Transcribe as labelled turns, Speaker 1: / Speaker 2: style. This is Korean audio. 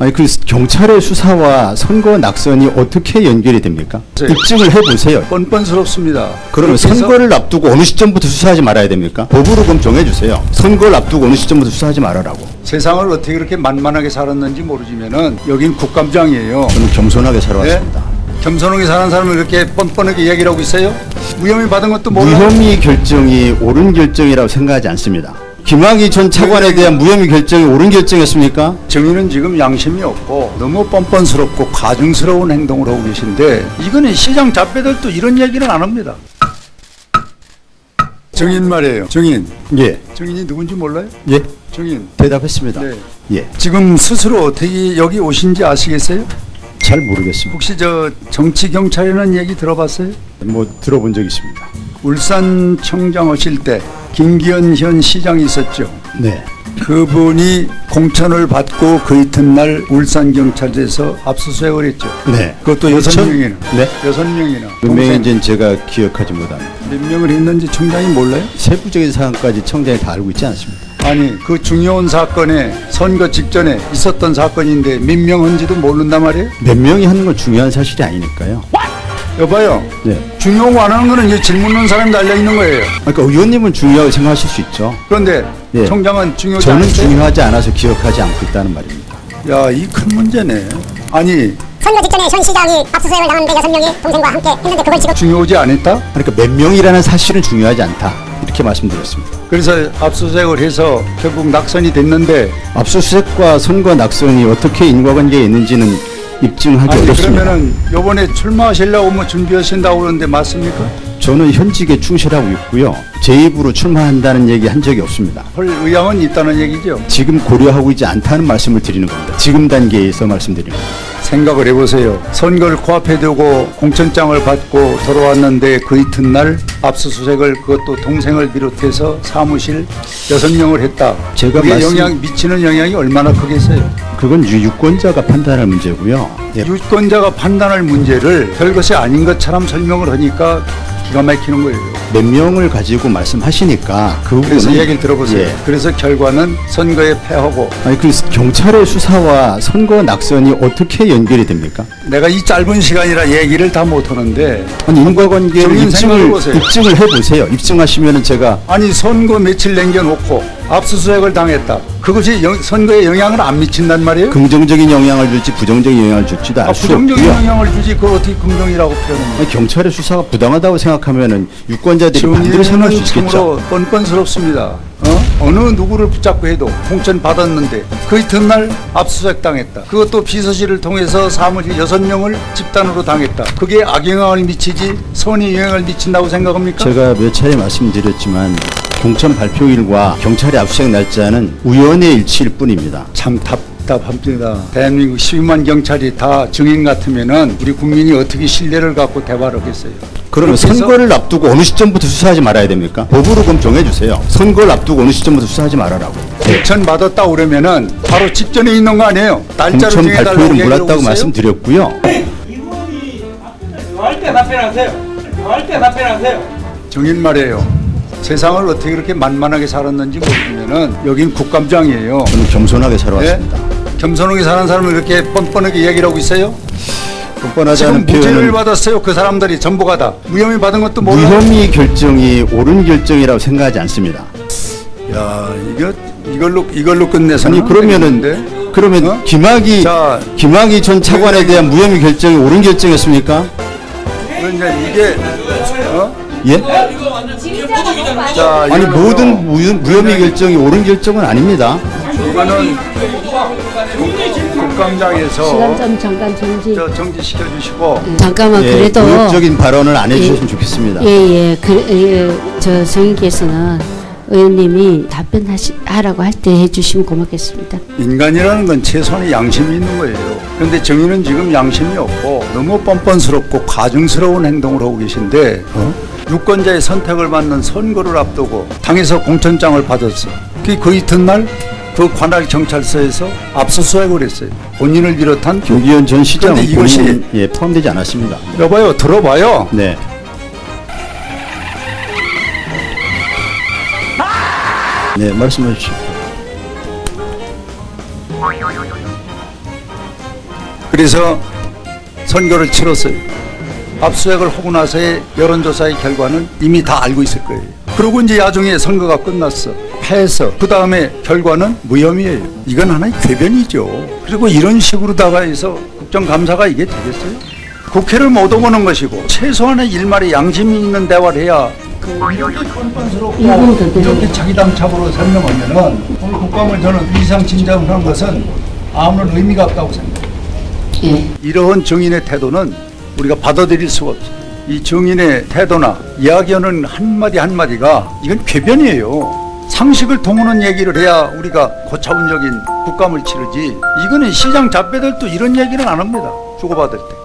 Speaker 1: 아니 그 경찰의 수사와 선거 낙선이 어떻게 연결이 됩니까?
Speaker 2: 네.
Speaker 1: 입증을 해보세요.
Speaker 2: 뻔뻔스럽습니다.
Speaker 1: 그러면
Speaker 2: 그렇게 해서
Speaker 1: 선거를 앞두고 어느 시점부터 수사하지 말아야 됩니까? 법으로 그럼 정해주세요. 선거를 앞두고 어느 시점부터 수사하지 말아라고.
Speaker 2: 세상을 어떻게 그렇게 만만하게 살았는지 모르지만은 여긴 국감장이에요.
Speaker 1: 저는 겸손하게 살아왔습니다.
Speaker 2: 겸손하게 사는 사람을 이렇게 뻔뻔하게 얘기를 하고 있어요? 무혐의 받은 것도 몰라요?
Speaker 1: 무혐의 결정이 옳은 결정이라고 생각하지 않습니다. 김학의 전 차관에 대한 무혐의 결정이 옳은 결정이었습니까?
Speaker 2: 정의는 지금 양심이 없고 너무 뻔뻔스럽고 가증스러운 행동을 하고 계신데 이거는 시장 잡배들도 이런 얘기는 안 합니다. 정인 말이에요. 정인.
Speaker 1: 예.
Speaker 2: 정인이 누군지 몰라요?
Speaker 1: 예.
Speaker 2: 정인.
Speaker 1: 대답했습니다.
Speaker 2: 네.
Speaker 1: 예.
Speaker 2: 지금 스스로 어떻게 여기 오신지 아시겠어요?
Speaker 1: 잘 모르겠습니다.
Speaker 2: 혹시 저 정치경찰이라는 얘기 들어봤어요?
Speaker 1: 뭐 들어본 적 있습니다.
Speaker 2: 울산청장 하실 때 김기현 현 시장이 있었죠.
Speaker 1: 네.
Speaker 2: 그분이 공천을 받고 그 이튿날 울산경찰서에서 압수수색을 했죠.
Speaker 1: 네.
Speaker 2: 그것도
Speaker 1: 공천?
Speaker 2: 6명이나.
Speaker 1: 네.
Speaker 2: 6명이나.
Speaker 1: 몇 명인지는 제가 기억하지 못합니다.
Speaker 2: 몇 명을 했는지 청장이 몰라요?
Speaker 1: 세부적인 사항까지 청장이 다 알고 있지 않습니다.
Speaker 2: 아니 그 중요한 사건에 선거 직전에 있었던 사건인데 몇 명 한지도 모른단 말이에요?
Speaker 1: 몇 명이 하는 건 중요한 사실이 아니니까요.
Speaker 2: 여봐요.
Speaker 1: 네.
Speaker 2: 중요한 거 안 하는 거는 이 질문 넣는 사람이 달려있는 거예요.
Speaker 1: 그러니까 의원님은 중요하게 생각하실 수 있죠.
Speaker 2: 그런데
Speaker 1: 예.
Speaker 2: 청장은 중요하지
Speaker 1: 저는
Speaker 2: 않은데?
Speaker 1: 중요하지 않아서 기억하지 않고 있다는 말입니다.
Speaker 2: 야, 이 큰 문제네. 아니
Speaker 3: 선거 직전에 현 시장이 압수수색을 당하는데 6명이 동생과 함께 했는데 그걸 지금
Speaker 2: 중요하지 않았다?
Speaker 1: 그러니까 몇 명이라는 사실은 중요하지 않다. 이렇게 말씀드렸습니다.
Speaker 2: 그래서 압수수색을 해서 결국 낙선이 됐는데
Speaker 1: 압수수색과 선거 낙선이 어떻게 인과관계가 있는지는 입증하기
Speaker 2: 아니
Speaker 1: 어렵습니다.
Speaker 2: 그러면은 요번에 출마하시려고 뭐 준비하신다고 그러는데 맞습니까?
Speaker 1: 저는 현직에 충실하고 있고요. 제 입으로 출마한다는 얘기 한 적이 없습니다.
Speaker 2: 할 의향은 있다는 얘기죠.
Speaker 1: 지금 고려하고 있지 않다는 말씀을 드리는 겁니다. 지금 단계에서 말씀드리는 겁니다.
Speaker 2: 생각을 해보세요. 선거를 코앞에 두고 공천장을 받고 돌아왔는데 그 이튿날 압수수색을 그것도 동생을 비롯해서 사무실 6명을 했다.
Speaker 1: 제가
Speaker 2: 그게
Speaker 1: 말씀-
Speaker 2: 미치는 영향이 얼마나 크겠어요.
Speaker 1: 그건 유권자가 판단할 문제고요. 예.
Speaker 2: 유권자가 판단할 문제를 별것이 아닌 것처럼 설명을 하니까 기가 막히는 거예요.
Speaker 1: 몇 명을 가지고 말씀하시니까 그
Speaker 2: 그래서
Speaker 1: 부분은
Speaker 2: 얘기를 들어보세요.
Speaker 1: 예.
Speaker 2: 그래서 결과는 선거에 패하고
Speaker 1: 아니 그 경찰의 수사와 선거 낙선이 어떻게 연결이 됩니까?
Speaker 2: 내가 이 짧은 시간이라 얘기를 다 못하는데
Speaker 1: 아니 인과관계를
Speaker 2: 정인 생각해 보세요.
Speaker 1: 입증을 해보세요. 입증하시면은 제가
Speaker 2: 아니 선거 며칠 남겨놓고 압수수색을 당했다. 그것이 선거에 영향을 안 미친단 말이에요?
Speaker 1: 긍정적인 영향을 줄지 부정적인 영향을 줄지도 알 수
Speaker 2: 부정적인
Speaker 1: 없고요.
Speaker 2: 영향을 주지 그걸 어떻게 긍정이라고 표현합니까?
Speaker 1: 아니, 경찰의 수사가 부당하다고 생각하면은 유권자들이 반대로 생각할 수
Speaker 2: 정의는
Speaker 1: 있겠죠.
Speaker 2: 참으로 뻔뻔스럽습니다. 어느 누구를 붙잡고 해도 공천 받았는데 그 이튿날 압수수색 당했다. 그것도 비서실을 통해서 사무실 6명을 집단으로 당했다. 그게 악영향을 미치지 선의 영향을 미친다고 생각합니까?
Speaker 1: 제가 몇 차례 말씀드렸지만 공천 발표일과 경찰의 압수수색 날짜는 우연의 일치일 뿐입니다.
Speaker 2: 참 답답합니다. 대한민국 12만 경찰이 다 증인 같으면은 우리 국민이 어떻게 신뢰를 갖고 대화를 하겠어요?
Speaker 1: 그러면
Speaker 2: 그렇게 해서
Speaker 1: 선거를 앞두고 어느 시점부터 수사하지 말아야 됩니까? 법으로 그럼 정해주세요. 선거를 앞두고 어느 시점부터 수사하지 말아라고.
Speaker 2: 공천 받았다 그러면은 바로 직전에 있는 거 아니에요? 날짜를
Speaker 1: 공천
Speaker 2: 정해달라고
Speaker 1: 발표일은
Speaker 2: 얘기를 하고
Speaker 1: 몰랐다고
Speaker 2: 있어요?
Speaker 1: 말씀드렸고요.
Speaker 4: 이분이 할 때 답변하세요. 할 때 답변하세요.
Speaker 2: 정인 말이에요. 세상을 어떻게 그렇게 만만하게 살았는지 모르면은 여긴 국감장이에요.
Speaker 1: 저는 겸손하게 살아왔습니다.
Speaker 2: 겸손하게 사는 사람을 이렇게 뻔뻔하게 얘기를 하고 있어요?
Speaker 1: 뻔뻔하지
Speaker 2: 지금
Speaker 1: 않은
Speaker 2: 무죄를
Speaker 1: 표현은
Speaker 2: 받았어요. 그 사람들이 전부가 다 무혐의 받은 것도 몰라요.
Speaker 1: 무혐의 결정이 옳은 결정이라고 생각하지 않습니다.
Speaker 2: 야 이걸로 끝내서는
Speaker 1: 아니 그러면은
Speaker 2: 되겠는데?
Speaker 1: 그러면
Speaker 2: 어? 자,
Speaker 1: 김학의 전 차관에 대한 무혐의 결정이 옳은 결정이었습니까?
Speaker 2: 그럼 이제 이게
Speaker 1: 예?
Speaker 2: 자
Speaker 1: 아니
Speaker 2: 이걸로
Speaker 1: 모든 무혐의 결정이 옳은 결정은 아닙니다.
Speaker 2: 이거는 국감장에서
Speaker 5: 시간 좀 잠깐 정지.
Speaker 2: 정지시켜 주시고
Speaker 5: 잠깐만
Speaker 1: 예,
Speaker 5: 그래도
Speaker 1: 의욕적인 발언을 안 해주셨으면 좋겠습니다.
Speaker 5: 예예 저 성인께서는 의원님이 답변하라고 할 때 해주시면 고맙겠습니다.
Speaker 2: 인간이라는 건 최소한의 양심이 있는 거예요. 그런데 정의는 지금 양심이 없고 너무 뻔뻔스럽고 가증스러운 행동을 하고 계신데 유권자의 선택을 받는 선거를 앞두고 당에서 공천장을 받았어. 그 이튿날 그 관할 경찰서에서 압수수색을 했어요. 본인을 비롯한
Speaker 1: 김기현 전 시장은
Speaker 2: 그런데 이것이-
Speaker 1: 본인 예, 포함되지 않았습니다.
Speaker 2: 여봐요, 들어봐요.
Speaker 1: 네. 네, 말씀해 주십시오.
Speaker 2: 그래서 선거를 치렀어요. 압수수색을 하고 나서의 여론조사의 결과는 이미 다 알고 있을 거예요. 그리고 이제 야중에 선거가 끝났어. 패해서 그 다음에 결과는 무혐의예요. 이건 하나의 궤변이죠. 그리고 이런 식으로다가 해서 국정감사가 이게 되겠어요? 국회를 못 오보는 것이고 최소한의 일말의 양심이 있는 대화를 해야 이렇게 뻔뻔스럽고
Speaker 5: 이건 더
Speaker 2: 이렇게 자기당착으로 설명하면은 오늘 국감을 저는 이상 진정을 한 것은 아무런 의미가 없다고 생각해요.
Speaker 5: 예.
Speaker 2: 이러한 정인의 태도는 우리가 받아들일 수가 없어요. 이 정인의 태도나 이야기하는 한마디 한마디가 이건 궤변이에요. 상식을 통하는 얘기를 해야 우리가 고차원적인 국감을 치르지. 이거는 시장 잡배들도 이런 얘기는 안 합니다. 주고받을 때.